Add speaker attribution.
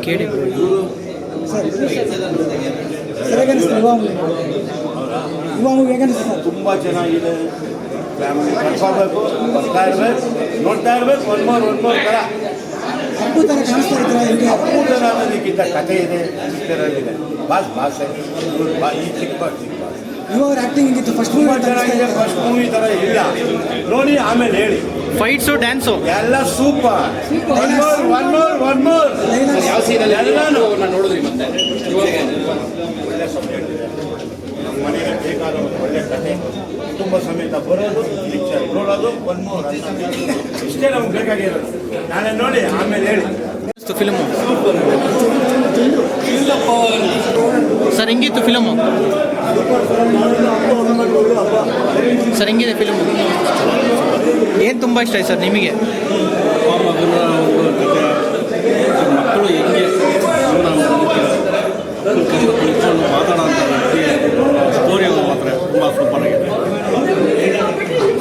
Speaker 1: ಕೇಳಿ
Speaker 2: ಸರ್ ಹೇಗನ್ನಿಸ್ತು ಯುವ ಮೂವಿ ಹೇಗನ್ನಿಸ್ತು ಸರ್?
Speaker 3: ತುಂಬ ಚೆನ್ನಾಗಿದೆ. ಫ್ಯಾಮಿಲಿ ಕರ್ಕೋಬೇಕು, ಬರ್ತಾ ಇರ್ಬೇಕು, ನೋಡ್ತಾ ಇರ್ಬೇಕು. ಒನ್ ಮೋರ್ ಥರ
Speaker 2: ಅಪ್ಪು ಥರ ಕಾಣಿಸ್ತಾ ಇದ್ರೆ ಹೆಂಗೆ?
Speaker 3: ಅಪೂರ್ಣ ಅನ್ನೋದಕ್ಕಿಂತ ಕಥೆ ಇದೆ, ಚಿತ್ರದಲ್ಲಿದೆ. ಭಾಷೆ ಈ ಚಿಕ್ಕ
Speaker 2: ಇವಾಗ ಆ್ಯಕ್ಟಿಂಗ್ ಹಿಂಗಿತ್ತು ಫಸ್ಟ್
Speaker 3: ತುಂಬ
Speaker 2: ಮೂವಿ
Speaker 3: ಚೆನ್ನಾಗಿದೆ. ಫಸ್ಟ್ ಮೂವಿ ಥರ ಇಲ್ಲ, ನೋಡಿ ಆಮೇಲೆ ಹೇಳಿ.
Speaker 1: ಫೈಟ್ಸು ಡ್ಯಾನ್ಸು
Speaker 3: ಎಲ್ಲ ಸೂಪರ್. ಒನ್ ಮೋರ್
Speaker 4: ಯಾವ ಸೀನಲ್ಲಿ
Speaker 3: ಎಲ್ಲಾನು
Speaker 4: ನಾನು ನೋಡಿದ್ರಿ ಮತ್ತೆ
Speaker 3: ಒಳ್ಳೆ ಸಬ್ಜೆಕ್ಟ್ ಇದೆ. ನಮ್ಮ ಮನೆಗೆ ಬೇಕಾದ ಒಂದು ಒಳ್ಳೆ ಕಥೆ, ಕುಟುಂಬ ಸಮೇತ ಬರೋದು, ಪಿಕ್ಚರ್ ನೋಡೋದು. ಒನ್ ಮೋರ್ ಇಷ್ಟೇ ನಮ್ಗೆ ಬೇಕಾಗಿರೋದು. ನಾಳೆ ನೋಡಿ ಆಮೇಲೆ ಹೇಳಿ.
Speaker 1: ಫಿಲ್ಮು ಸರ್ ಹೆಂಗಿತ್ತು ಫಿಲಮು? ಸರ್ ಹೆಂಗಿದೆ ಫಿಲ್ಮು? ಏನು ತುಂಬ ಇಷ್ಟ ಆಯ್ತು ಸರ್ ನಿಮಗೆ?